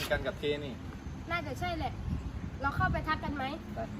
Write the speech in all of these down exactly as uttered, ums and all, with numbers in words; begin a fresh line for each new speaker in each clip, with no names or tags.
กันกับเคนี่
น่าจะใช่แหละเราเข้าไปทักกันไหม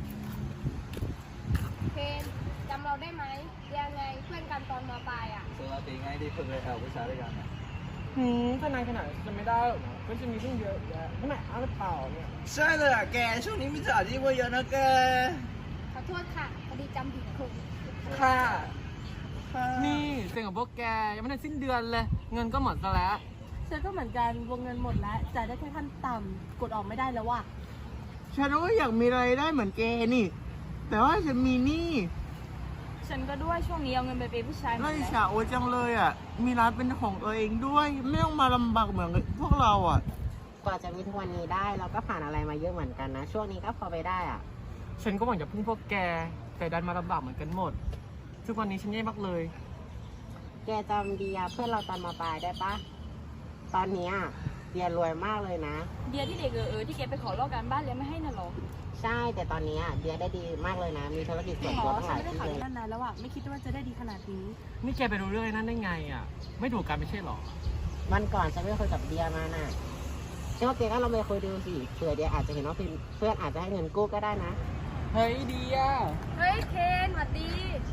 เคนจำเราได้ไหมยังไงเพื่อนกันตอนม.ปลายอ่ะ
ปกติไงที่เพิ่งไปแอลวิชาด้วยกัน
หืมถ้านานขนาดจะไม่ได้หรอกนะก็จะมีเรื่องเยอะแยะทำไมอ้าวหรือเปล่าเนี่ย
ใช่เลยอ่ะแกช่วงนี้มิจฉาชีพเยอะนะแก
ขอโทษค่ะพอดีจำผิดคน
ค่ะนี่เซ็งกับพวกแกยังไม่ได้สิ้นเดือนเลยเงินก็หมดซะแล้ว
ฉันก็เหมือนกันวงเงินหมดแล้วจ่ายได้แค่ขั้นต่ำกดออกไม่ได้แล้วว่ะ
ฉันก็อยากมีรายได้เหมือนแกนี่แต่ว่าฉันมีหนี้
ฉันก็ด้วยช่วงนี้เอาเงินไปเป็นผู้ชายหมด
น่าอิจ
แล้ว
ฉาโอจังเลยอ่ะมีร้านเป็นของตัวเองด้วยไม่ต้องมาลำบากเหมือนพวกเราอ่ะ
กว่าจะมีทุกวันนี้ได้เราก็ผ่านอะไรมาเยอะเหมือนกันนะช่วงนี้ก็พอไปได้อ่ะ
ฉันก็หวังจะพึ่งพวกแกแต่ดันมาลำบากเหมือนกันหมดทุกวันนี้ฉันแย่มากเลย
แกจำเดียเพื่อนเราตอนมาปลายได้ปะตอนนี้เดียรวยมากเลยนะ
เดียที่เด็กเออเออที่แกไปขอลอกการบ้านแล้วไม่ให้น่ะหรอ
ใช่แต่ตอนนี้เดียได้ดีมากเลยนะมีธุรกิจส่วนตัวตั้งหลาย
ที่
เลย
ไม่ได้ขายนานแล้วอ่ะไม่คิดว่าจะได้ดีขนาดนี้
นี่แกไปรู้เรื่องนั้นได้ไงอ่ะไม่ถูกกันไม่ใช่หรอ
วันก่อนฉันไปคุยกับเดียมาน่ะเชื่อว่าแกก็ลองไปคุยดูสิเผื่อเดียอาจจะเห็นว่าเพื่อนอาจจะให้เงินกู้ก็ได้นะ
เฮ้ยดีอ่ะ
เฮ้ยเคนสวัสดี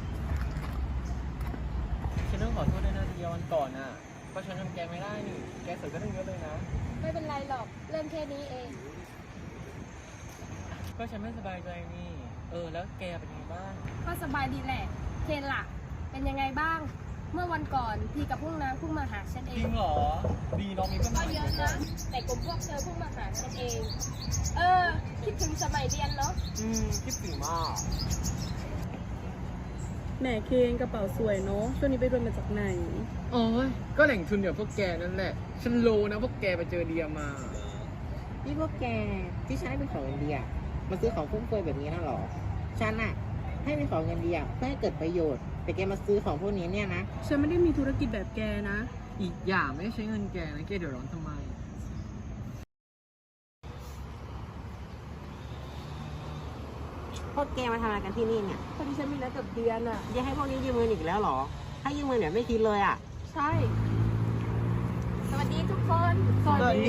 ฉันต้องขอโทษด้วยนะเดียวันก่อนอ่ะเพราะฉันทำแกไม่ได้นี่แกเสียก็ต้องเยอะเลยนะ
ไม่เป็นไรหรอกเรื่องแค่นี้เอง
ก็ฉันไม่สบายใจนี่เออแล้วแกเป็นยังไงบ้าง
ก็สบายดีแหละเคนล่ะเป็นยังไงบ้างเมื่อวันก่อนพี่กับพวกน้ำเพิ่งมาหาฉันเอง
จริงเหรอดีน้องมีเพื่อน
ก็เยอะนะแต่กลุ่มพวกเธอเพิ่งมาหาฉันเองเออคิดถึงสมัยเรียนเนาะ
อืมคิดถึงมาก
แหมเคนกระเป๋าสวยเนาะช่วงนี้ไปรวยมาจากไหน
โอ้ยก็แหล่งทุนเดี๋ยวพวกแกนั่นแหละฉันรู้นะพวกแกไปเจอเดียมา
นี่พวกแกที่ฉันให้เป็นของเงินเดียมาซื้อของฟุ่มเฟือยแบบนี้นะหรอฉันอะให้เป็นของเงินเดียเพื่อให้เกิดประโยชน์แต่แกมาซื้อของพวกนี้เนี่ยนะ
ฉันไม่ได้มีธุรกิจแบบแกนะ
อีกอย่างไม่ใช้เงินแกนะแกเดือดร้อนทำไม
พวกแกมาทำอะไรกันที่นี่เนี่ย
พอดีฉันมีนัดกับเดียนอ่ะ
เดียให้พวกนี้ยืมเงินอีกแล้วหรอให้ยืมเงินเนี่ยไม่คิดเลยอ่ะ
ใช่
สวัสดีทุกคน
สวัสดี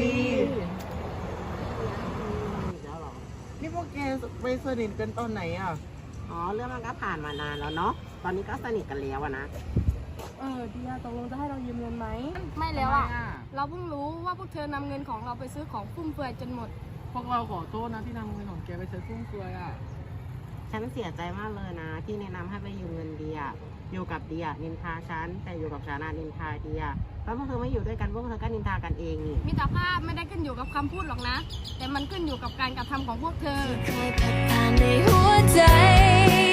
อีกแล้วหรอ
นี่พวกแกไปสนิทกันตอนไหนอ่ะ
อ๋อเรื่องมันก็ผ่านมานานแล้วเนาะตอนนี้ก็สนิทกันแล้วอะนะ
เออเดียตกลงจะให้เรายืมเงินไหม
ไม่แล้วอ่ะเราเพิ่งรู้ว่าพวกเธอนำเงินของเราไปซื้อของฟุ่มเฟือยจนหมด
พวกเราขอโทษนะที่นำเงินของแกไปซื้อฟุ่มเฟือยอ่ะ
ฉันเสียใจมากเลยนะที่แนะนำให้ไปยืมเงินเดียอยู่กับเดียนินทาฉันแต่อยู่กับฉันนินทาเดียแล้วพวกเธอไม่อยู่ด้วยกันพวกเธอก็นินทากันเองนี่
มิตรภาพไม่ได้ขึ้นอยู่กับคำพูดหรอกนะแต่มันขึ้นอยู่กับการกระทำของพวกเธอ
เคยผ่านในหัวใจ